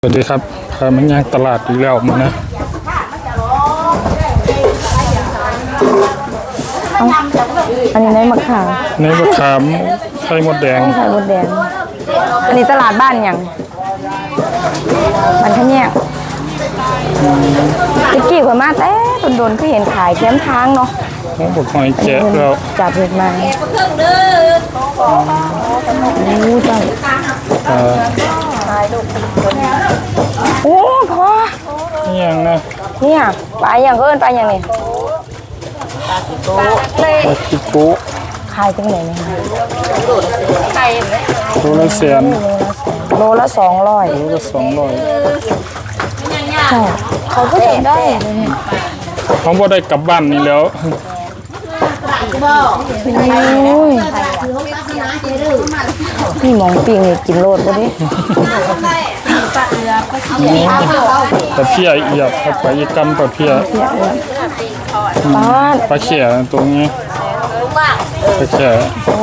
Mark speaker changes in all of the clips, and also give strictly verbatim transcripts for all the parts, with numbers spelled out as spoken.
Speaker 1: สวัสดีครับพามันย่างตลาดอีกแล้วมานะ
Speaker 2: อันนี้ในมะขาม
Speaker 1: ในมะขามไข่มดแดง
Speaker 2: ไข่มดแดงอันนี้ตลาดบ้านอย่างมันขะแยกตะกี้ข่อยมาแต่โดนๆก็เห็นขายแคมทางเนาะ
Speaker 1: เขาบอกหอยแจ๊แล้ว
Speaker 2: จับเห็ดมาโอ้จังโอ้พอ
Speaker 1: นี่ยังนะ
Speaker 2: เนี่ยปลาอย่างเกินปลาอย่างนี้
Speaker 1: ปลาคิโก้
Speaker 2: ขายจังไหนเนี่ย
Speaker 1: โลละแสน
Speaker 2: โลละสองร้อย
Speaker 1: โลละสองร้อย
Speaker 2: เขาก็จะได้
Speaker 1: เขาบ่ได้กลับบ้านนี่แล้ว
Speaker 2: นี่มองปิงเลยกินโลดก็ดิ
Speaker 1: ปลาเพี้ยเอียบครับปลาอีกำปลาเพี้ย
Speaker 2: ปลา
Speaker 1: ปลาเขี่ยตัวนี้ปลาเขี่ย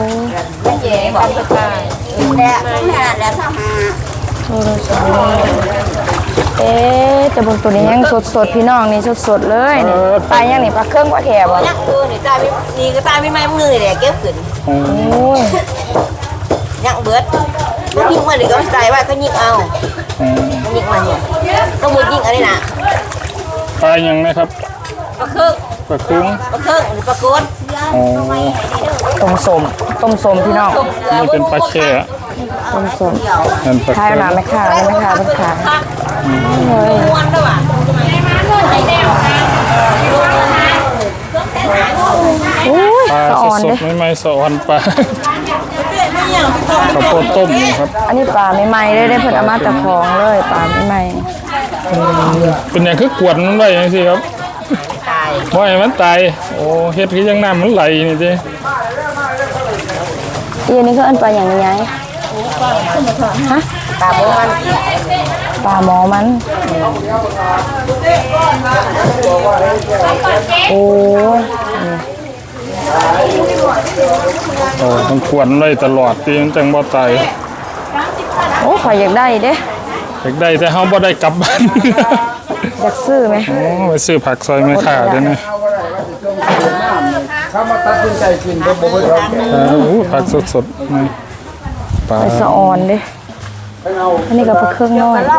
Speaker 2: เอ๊ะจะบนตัวนี้ยังสดๆพี่น้องนี่สดๆเลยปลายังนี่ปลาเครื่องปลาแขกบ่
Speaker 3: ยักษ์ตัวนี่ตาไม่นี่ก็ตาไม่ไม่มือเลยเก็บขึ้น
Speaker 2: โอ้ย
Speaker 3: ยักษ์เบิดยิงมาหรือก็ใจว่าก็ยิงเอายิงมาเนี่ยก็มุดยิงอะไรนะ
Speaker 1: ปลายังนะครับ
Speaker 3: ปลาเครื่อง
Speaker 1: ปลาคุ้ง
Speaker 3: ปลาเครื่องหรือปลาโกน
Speaker 2: ต้มสมต้มสมพี่น้อง
Speaker 1: นี่เป็นปลาแค่
Speaker 2: ต้มสม
Speaker 1: นั่นปลา
Speaker 2: ขายหนาไม่ขาดไม่ขาดไม่ขาดเลย
Speaker 3: ม้วนด้วยว่ะ
Speaker 1: ปลาสดๆไม่ไม่สะออนปลาข้าวโพดต้มครับ
Speaker 2: อันนี้ปลาไม่ไหม้เลยได้เพิ่นเอามาตะคองเลยปลาไม่ไหม้
Speaker 1: เป็นอย่างคือกวดมันไว้ยังสิครับว่าไอ้มันตายโอ้เฮ็ดคือยังน้ำมันไหลนี่สิ
Speaker 2: อีนี่ก็อันปลาอย่างนี้ฮะ
Speaker 3: ปลาหมอมัน
Speaker 2: ปลาหมอมันโอ้
Speaker 1: โอ้มันควรไว้ตลอดตีมันจังบ่ตาย
Speaker 2: โอ้ข่อยอยากได้เด้
Speaker 1: อยากได้แต่เฮาบ่ได้กลับบ้าน
Speaker 2: อยากซื้อไหม
Speaker 1: โอ้ไปซื้อผักซอยไม่ขาดเลยนะ
Speaker 4: ถ้ามาตัดสินใจกินก็บ่ได้ครับ
Speaker 1: โอ้ผักสดๆนี่
Speaker 2: ปลาสะออนเด้อันนี้ก็ปลาเครื่องน้อย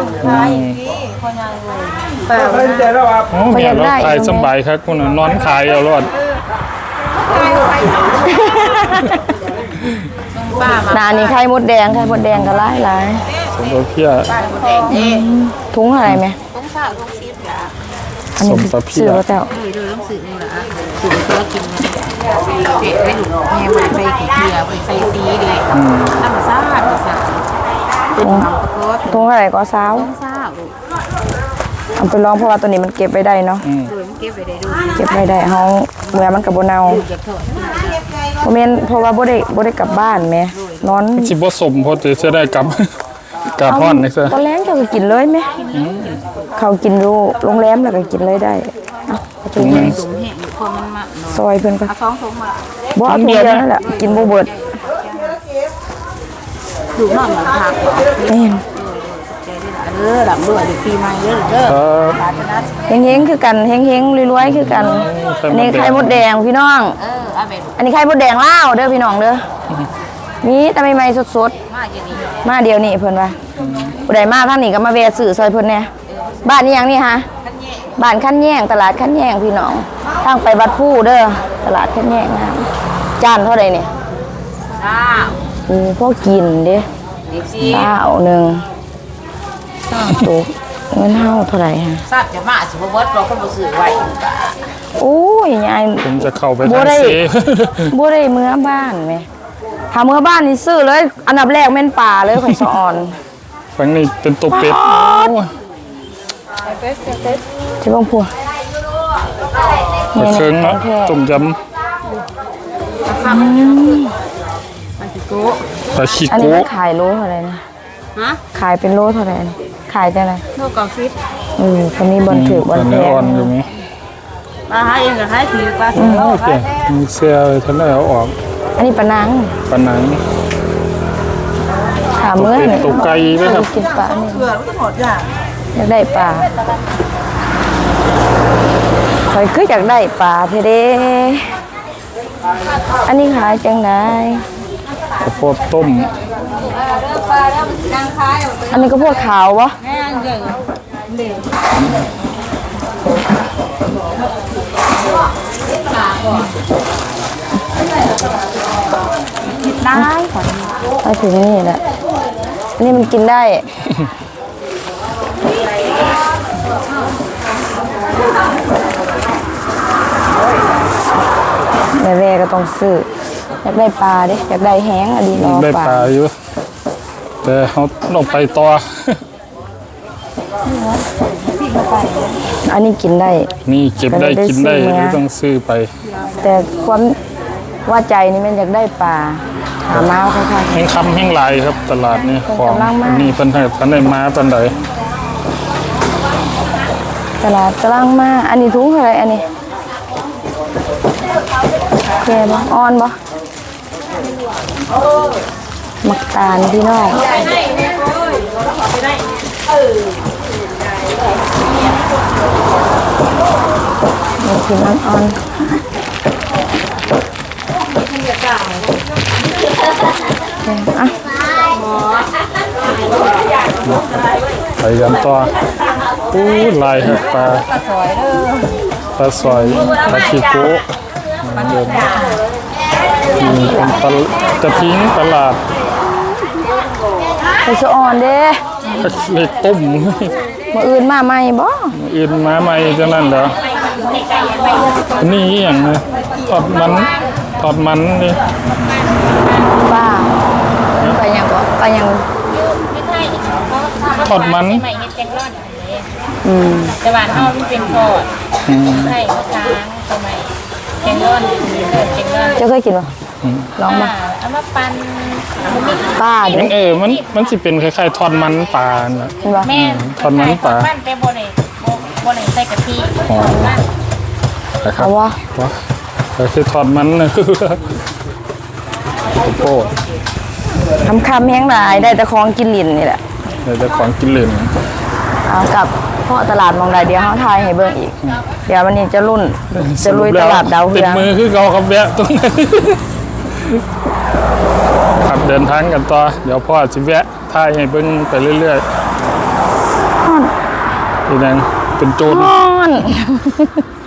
Speaker 4: แต่ตัดสินใจแล้วครับ
Speaker 1: โอ้เนี่ยเราขายสบายครับคุณนอนขายเอารอด
Speaker 2: นานี่ไข่มดแดงไข่มดแดงก็หลายหลาย
Speaker 1: สมปลาเพี้ย
Speaker 2: ถุงอะไรไหม
Speaker 3: ต้องสาวต้องซีดยา
Speaker 2: อันนี้ซื้อแล้วแต่
Speaker 3: เลยเลยต้องซื้อนี่แหละซื้อเพื่อกินเผ็ดไม่หลุดแม่มาใส่ขี้เกียจใส่ซีดีน้ำซ่าน้ำซ่าเป็นน้ำปลาโคตร
Speaker 2: ถุงอะไรก็สาว
Speaker 3: ต้องซ่า
Speaker 2: เอาไปลองเพราะว่าตัวนี้มันเก็บไว้ได้เนาะ
Speaker 3: เก็บไว้ได้ดู
Speaker 2: เก็บไว้ได้เฮาเมื่อมันกับโบเนาเพราะแม่นเพราะว่าบ่ได้บ่ได้กลับบ้านแม่นอน
Speaker 1: สิบ่สมพอจะได้กลับกลับฮ้อนนี่ซะ
Speaker 2: ตอนแรกจะกินเลยไหมเขากินอยู่โรงแรมแล้วก็กินเลยได้เอ้าถุงนึงซอยเพิ่นก็
Speaker 3: ท้องทงมา
Speaker 2: บ่เอาถุงเดียวนั่นแหละกินบ่เบิด
Speaker 3: ดูนอนหลังพัก
Speaker 2: แม่น
Speaker 3: เออหลังด้วยเดี๋ยวปีใหม่เด้อเด้อ
Speaker 2: เฮงๆคือกันเฮงๆรวยๆคือกันอันนี้ไข่มดแดงพี่น้อง
Speaker 3: เออเอาไป
Speaker 2: อันนี้ไข่มดแดงลาวเด้อพี่น้องเด้อมีแต่ใหม่ๆสดๆมาเดียวนี่เพิ่นว่าผู้ใดมาทางนี้ก็มาแวะซื้อซอยเพิ่นแน่บ้านนี้หยังนี่ฮะบ้านคันแย่งตลาดคันแย่งพี่น้องทางไปวัดผู้เด้อตลาดคันแย่งนะจานเท่าใดนี่
Speaker 3: จ้า
Speaker 2: โอ้พอกินเด้เช้านึงตกเงินเฮาเท่าไหร่ฮะ
Speaker 3: ทราบจะมาสิบ่เบิดเราก็บ่ซื้อไว้
Speaker 2: โอ้ยยาย
Speaker 1: ผมจะเข้าไปทางเซ
Speaker 2: บ่ได้เมื่อบ้านแม่ถ้าเมื่อบ้านนี่ซื้อเลยอันดับแรกแม่นป่าเลยข่อยสะอ่อน
Speaker 1: ฝั่งนี้เป็นตัวเป็ด
Speaker 2: เป็ดเป็ดที่บ้านพัว
Speaker 1: ปลาเคิงเนาะต้มยำ
Speaker 3: ปลาขี้โก้
Speaker 1: ปลาขี้
Speaker 2: โก้อัน
Speaker 1: นี้
Speaker 2: ขายโลเท่าไหร่นะ
Speaker 3: ฮะ
Speaker 2: ขายเป็นโลเท่าไหร่ขายจังได๋
Speaker 3: โลเก้าสิบ
Speaker 2: เออคนนี้บ่ถือบ่แพง
Speaker 1: อยู่มั้ย
Speaker 3: ปลาหาเองก็ขายถือปลาสิโลขาย
Speaker 1: มีเสียท่านได้เอาออก
Speaker 2: อันนี้ปลานังปลานังขายาเมื่อ
Speaker 1: เป็
Speaker 2: นี่
Speaker 1: ดตัวไก่ด้วยครับ
Speaker 2: กินปลานี่
Speaker 3: เกลือมันก็หมดจ้ะ
Speaker 2: อยากได้ปลาคอยคืออยากได้ปลาเทเด้อันนี้ขายจังได
Speaker 1: ข้าวโพดต้ม
Speaker 2: อันนี้ก็พวกขาววะ
Speaker 3: แม่งเยอะ
Speaker 2: ได้ไปถึงนี่แหละอันนี้มันกินได้ แม่แว่ก็ต้องซื้ออยากได้ปลาเด้อยากได้แห้งอะดีรอ
Speaker 1: ได้
Speaker 2: ปลา
Speaker 1: ปลาอยู่แต่เขาต้องไปต่อ
Speaker 2: อันนี้กินได้
Speaker 1: นี่เก็บได้
Speaker 2: ก็เลยได้
Speaker 1: กินได้
Speaker 2: ซื้อมา
Speaker 1: ไม่ต้องซื้อไป
Speaker 2: แต่ความว่าใจนี่มันอยากได้ปลาหามาเอาค่ะ
Speaker 1: แห้งคำแห้งลายครับตลาดนี่
Speaker 2: เพิ่น
Speaker 1: ของ
Speaker 2: กำลังมา
Speaker 1: นี่เพิ่นให้ท่านได้มาปันใด
Speaker 2: ตลาดกำลังมา อันนี้ถุงเท่าไหรอันนี้แก่บ่อ่อนบ่มักตาลพี่น้องนี่คือน้ำอ่อนอ่ะ
Speaker 1: ไปกันต่ออู้ลายครับปลาปลาสอยปลาขี้โก้เดินมีเป็นปลาจะทิ้งตลาด
Speaker 2: ไปสะอ่อนเด้
Speaker 1: เลยต้ม
Speaker 2: มาอื่นมาใหม่บ่
Speaker 1: อื่นมาใหม่จะนั่นเหรอนี่อหย่างนะทอดมันทอดมันนี่
Speaker 2: ป้าไปยังบ่ไปยัง
Speaker 1: ทอดมัน
Speaker 3: ใหม่เฮ็ดแกงร่อน
Speaker 2: อืม
Speaker 3: แต่ว่าเฮามันเป็นทอดใช่มะช้างสมัยแกงร่อนเกิดแกงร่อน
Speaker 2: เจ้าเคยกินบ่ลองบ่
Speaker 3: เอามาปั่นมันมี
Speaker 2: ป้าเด้
Speaker 1: เออมันมันสิเป็นคล้ายๆทอดมันปลาน่ะ
Speaker 2: เห็นบ่
Speaker 3: แม่
Speaker 1: ทอดมันปลา
Speaker 3: ปั่นแต่บ่ได้บ่บ่ได้ใส่กะทิ
Speaker 1: อ๋อ นะครับ
Speaker 2: เอาวะ
Speaker 1: วะก็คือทอดมันนะ ข้าวโพด
Speaker 2: ทำคำแห้งหลายได้แต่ของกินลิ้นนี่แหละ
Speaker 1: เดี๋ยวจะของกินเหลน
Speaker 2: เอากลับพ่อตลาดมองใดเดียวเขาทายให้เบิ่งอีก เดี๋ยววันนี้จะรุ่นจะลุยตลาดดาว
Speaker 1: ติ
Speaker 2: เฮื
Speaker 1: ด
Speaker 2: อง
Speaker 1: มือคือเขาครับแวะตรงนั้นครับเดินทางกันต่อ เดี๋ยวพ่อสิแวะท่ายให้เบิ่งไปเรื่อยๆอีนังเป็นโจร
Speaker 2: ฮ้อน